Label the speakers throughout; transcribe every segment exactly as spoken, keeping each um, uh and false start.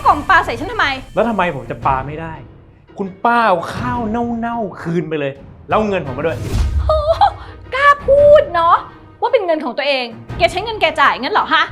Speaker 1: ของปาใส่ฉันทำไม
Speaker 2: แล้วทำไมผมจะปาไม่ได้คุณป้าเอาข้าวเน่าๆคืนไปเลยแล้วเอาเงินผมมาด้วย
Speaker 1: โอ้กล้าพูดเนาะว่าเป็นเงินของตัวเองแกใช้เงินแกจ่ายงั้นเหรอฮะ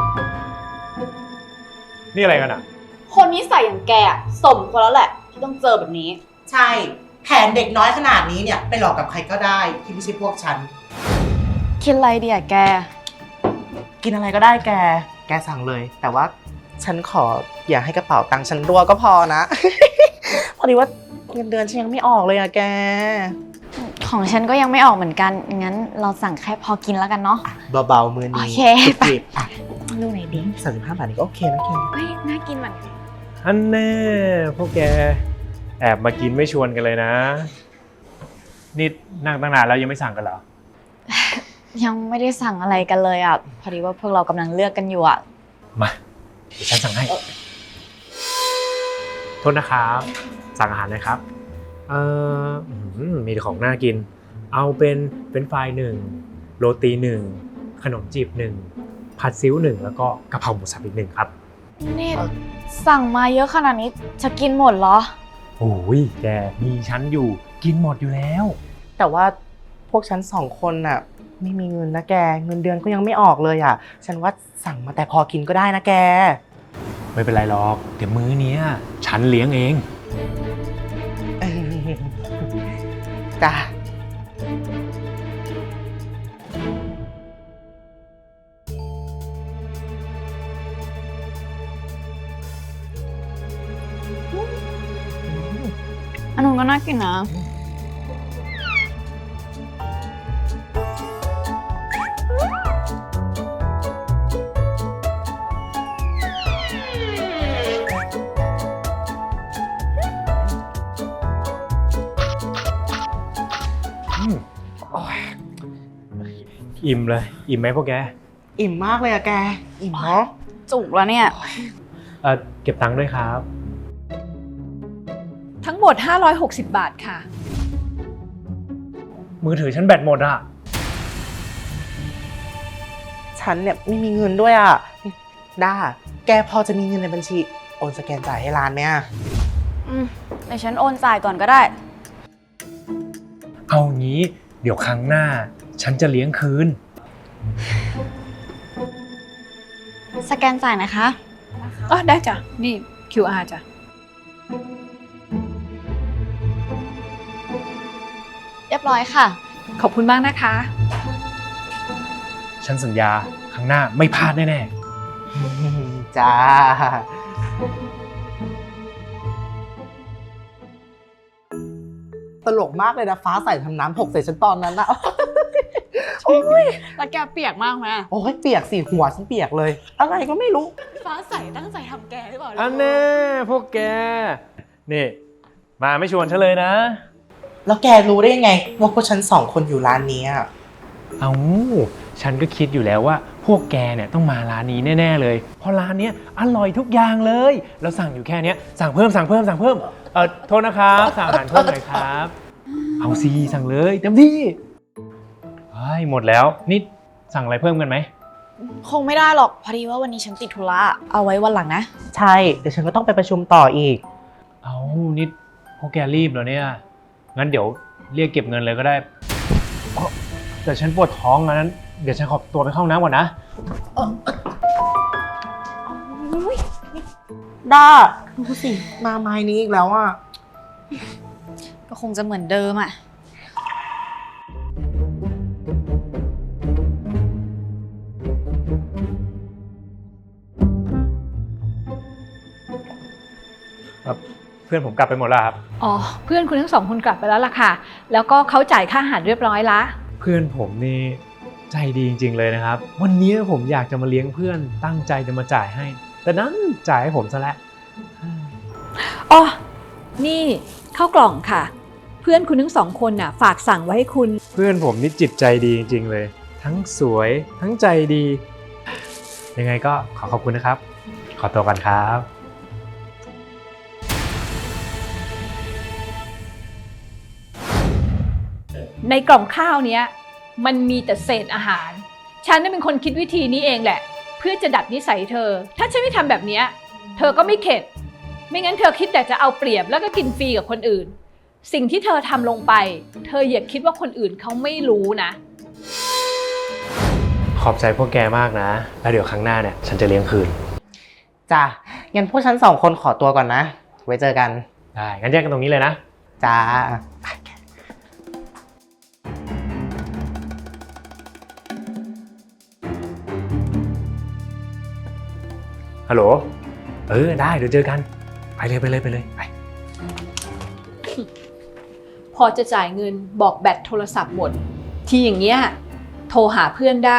Speaker 2: นี่อะไรกันอ่ะ
Speaker 3: คนนิสัยอย่างแกสมควรแล้วแหละที่ต้องเจอแบบนี้
Speaker 4: ใช่แผนเด็กน้อยขนาดนี้เนี่ยไปหลอกกับใครก็ได้ที่ไม่ใช่พวกฉัน
Speaker 3: กินอะไรดีอะแก
Speaker 4: กินอะไรก็ได้แกแกสั่งเลยแต่ว่าฉันขออย่าให้กระเป๋าตังค์ฉันรั่วก็พอนะ พอดีว่าเงินเดือนฉันยังไม่ออกเลยอะแก
Speaker 3: ของฉันก็ยังไม่ออกเหมือนกันงั้นเราสั่งแค่พอกินแล้วกันเนาะ
Speaker 4: เบาๆมือนี้
Speaker 3: โอเคไปดูไหนดี
Speaker 4: สามสิบห้าบาทนี่ก็โอเคนะแก
Speaker 3: เฮ้ยน่ากินเหมือนกัน
Speaker 2: อันแน่พวกแกแอบมากินไม่ชวนกันเลยนะนี่นั่งตั้งนานแล้วยังไม่สั่งกันเหรอ
Speaker 3: ยังไม่ได้สั่งอะไรกันเลยอ่ะพอดีว่าพวกเรากำลังเลือกกันอยู่อ่ะ
Speaker 2: มาเดี๋ยวฉันสั่งให้โทษนะครับสั่งอาหารเลยครับเอ่อมีแต่ของน่ากินเอาเป็นเป็นฟรายหนึ่งโรตีหนึ่งขนมจีบหนึ่งผัดซิ้วหนึ่งแล้วก็กะเพราหมูสับอีกหนึ่งครับ
Speaker 3: นี่สั่งมาเยอะขนาดนี้จะกินหมดเหรอ
Speaker 2: โอ้ยแกมีฉันอยู่กินหมดอยู่แล้ว
Speaker 4: แต่ว่าพวกฉันสองคนน่ะไม่มีเงินนะแกเงินเดือนก็ยังไม่ออกเลยอ่ะฉันว่าสั่งมาแต่พอกินก็ได้นะแก
Speaker 2: ไม่เป็นไรหรอกเดี๋ยวมื้อนี้ฉันเลี้ยงเอง
Speaker 4: จ้า
Speaker 3: อันนู้นก็น่ากินนะ
Speaker 2: อิ่มเลยอิ่มไหมพวกแก
Speaker 4: อิ่มมากเลยอะแกอิ่มเนาะ
Speaker 3: จุกแล้วเนี่ย
Speaker 2: เออเก็บตังค์ด้วยครับ
Speaker 1: ทั้งหมดห้าร้อยหกสิบบาทค่ะ
Speaker 2: มือถือฉันแบตหมดอ่ะ
Speaker 4: ฉันเนี่ยไม่มีเงินด้วยอ่ะด้าแกพอจะมีเงินในบัญชีโอนสแกนจ่ายให้ร้านไหมอ่ะ
Speaker 3: อืมเดี๋ยวฉันโอนจ่ายก่อนก็ได้
Speaker 2: เอางี้เดี๋ยวครั้งหน้าฉันจะเลี้ยงคืน
Speaker 3: สแกนจ่ายนะคะ
Speaker 1: อ๋อได้จ้ะนี่ คิว อาร์ จ้ะ
Speaker 3: เรียบร้อยค่ะ
Speaker 1: ขอบคุณมากนะคะ
Speaker 2: ฉันสัญญาครั้งหน้าไม่พลาดแน่
Speaker 4: ๆจ้าตลกมากเลยนะฟ้าใส่ทำน้ำหกใส่ฉันตอนนั้นนะ
Speaker 3: โอ้ยแล้วแกเปียกมากไหม
Speaker 4: โอ้ยเปียกสิหัวฉันเปียกเลยอะไรก็ไม่รู้
Speaker 3: ฟ้าใสตั้งใจทำแกหรือเปล่า
Speaker 2: อันแน่พวกแกนี่มาไม่ชวนฉันเลยนะ
Speaker 4: แล้วแกรู้ได้ไงว่าพวกฉันสองคนอยู่ร้านนี้
Speaker 2: เอาฉันก็คิดอยู่แล้วว่าพวกแกเนี่ยต้องมาร้านนี้แน่ๆเลยเพราะร้านนี้อร่อยทุกอย่างเลยเราสั่งอยู่แค่นี้สั่งเพิ่มสั่งเพิ่มสั่งเพิ่มเออโทษนะครับสั่งอาหารเพิ่มหน่อยครับเอาสิสั่งเลยเต็มที่เฮ้ยหมดแล้วนี่สั่งอะไรเพิ่มกันไหม
Speaker 3: คงไม่ได้หรอกพอดีว่าวันนี้ฉันติดธุระเอาไว้วันหลังนะ
Speaker 4: ใช่เดี๋ยวฉันก็ต้องไปประชุมต่ออีก
Speaker 2: เอานี่พวกแกรีบเหรอเนี่ยงั้นเดี๋ยวเรียกเก็บเงินเลยก็ได้แต่ฉันปวดท้องงั้นเดี๋ยวฉันขอตัวไปเข้าห้องน้ำก่อนนะ
Speaker 4: ด้าดูสิมาไม้นี้อีกแล้วอ่ะ
Speaker 3: ก็คงจะเหมือนเดิมอ่ะ
Speaker 2: เพื่อนผมกลับไปหมดแล้วครับ
Speaker 1: อ๋อเพื่อนคุณทั้งสองคนกลับไปแล้วล่ะค่ะแล้วก็เขาจ่ายค่าอาหารเรียบร้อยละ
Speaker 2: เพื่อนผมนี่ใจดีจริงๆเลยนะครับวันนี้ผมอยากจะมาเลี้ยงเพื่อนตั้งใจจะมาจ่ายให้แต่นั้นจ่ายให้ผมซะแล้ว
Speaker 1: อ๋อนี่ข้าวกล่องค่ะเพื่อนคุณทั้งสองคนน่ะฝากสั่งไว้ให้คุณ
Speaker 2: เพื่อนผมนี่จิตใจดีจริงๆเลยทั้งสวยทั้งใจดียังไงก็ขอขอบคุณนะครับขอตัวก่อนครับ
Speaker 1: ในกล่องข้าวเนี้ยมันมีแต่เศษอาหารฉันนี่เป็นคนคิดวิธีนี้เองแหละเพื่อจะดัดนิสัยเธอถ้าฉันไม่ทำแบบนี้เธอก็ไม่เข็ดไม่งั้นเธอคิดแต่จะเอาเปรียบแล้วก็กินฟรีกับคนอื่น สิ่งที่เธอทำลงไป เธออย่าคิดว่าคนอื่นเขาไม่รู้นะ
Speaker 2: ขอบใจพวกแกมากนะ แล้วเดี๋ยวครั้งหน้าเนี่ยฉันจะเลี้ยงคืน
Speaker 4: จ้ะงั้นพวกฉันสองคนขอตัวก่อนนะ ไว้เจอกัน
Speaker 2: ได้งั้นแยกกันตรงนี้เลยนะ
Speaker 4: จ้า
Speaker 2: ฮัลโหล เออได้เดี๋ยวเจอกัน ไปเลยไปเลยไปเลยไป
Speaker 1: พอจะจ่ายเงินบอกแบตโทรศัพท์หมด ทีอย่างเงี้ยโทรหาเพื่อนได้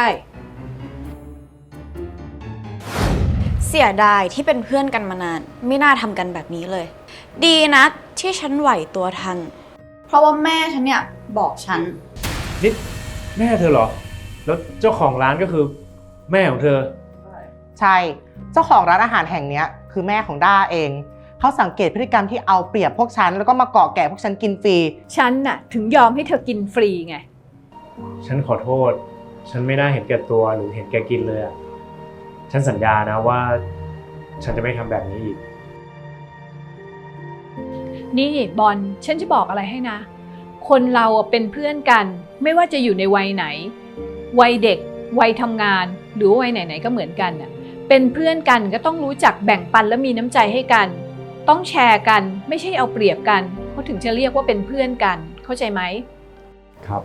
Speaker 3: เสียดายที่เป็นเพื่อนกันมานาน ไม่น่าทำกันแบบนี้เลย ดีนะที่ฉันไหวตัวทัน เพราะว่าแม่ฉันเนี่ยบอกฉัน
Speaker 2: นี่แม่เธอเหรอ แล้วเจ้าของร้านก็คือแม่ของเธอ
Speaker 4: ใช่ เจ้าของร้านอาหารแห่งเนี้ยคือแม่ของด้าเอง เขาสังเกตพฤติกรรมที่เอาเปรียบพวกฉันแล้วก็มาเกาะแก่พวกฉันกินฟรี
Speaker 1: ฉันน่ะถึงยอมให้เธอกินฟรีไง
Speaker 2: ฉันขอโทษ ฉันไม่น่าเห็นแก่ตัวหรือเห็นแก่กินเลยอะฉันสัญญานะว่า ฉันจะไม่ทำแบบนี้อีก
Speaker 1: นี่บอลฉันจะบอกอะไรให้นะ คนเราอะเป็นเพื่อนกัน ไม่ว่าจะอยู่ในวัยไหน วัยเด็ก วัยทำงาน หรือว่าวัยไหนๆก็เหมือนกันน่ะเป็นเพื่อนกันก็ต้องรู้จักแบ่งปันและมีน้ำใจให้กัน ต้องแชร์กันไม่ใช่เอาเปรียบกันเขาถึงจะเรียกว่าเป็นเพื่อนกัน เข้าใจไหม
Speaker 2: ครับ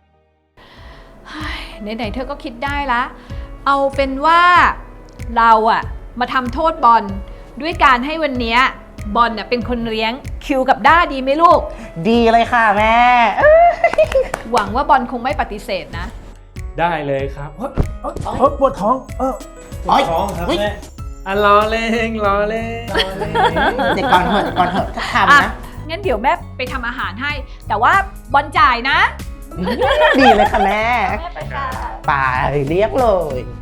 Speaker 1: ไหนๆเธอก็คิดได้ละ เอาเป็นว่าเราอะมาทำโทษบอลด้วยการให้วันเนี้ยบอลน่ะเป็นคนเลี้ยงคิวกับด้าดีไหมลูก
Speaker 4: ดีเลยค่ะแม่
Speaker 1: หวังว่าบอลคงไม่ปฏิเสธนะ
Speaker 2: ได้เลยครับเฮ้ยเฮ้ยเฮ้ยปวดท้อง เออปวดท้องครับ
Speaker 4: เฮ้ย
Speaker 2: แม่อ่ะรอเล่งรอเล่งรอเล่ง
Speaker 4: เด็กก่อนเถอะเด็กก่อนเถอะถ้าทำ
Speaker 1: อ่ะ
Speaker 4: นะ
Speaker 1: งั้นเดี๋ยวแม่ไปทำอาหารให้ แต่ว่าบอลจ่ายนะ
Speaker 4: ดีเลยค่ะแม่
Speaker 1: แม่ไปค่ะ
Speaker 4: ไปเรียกเลย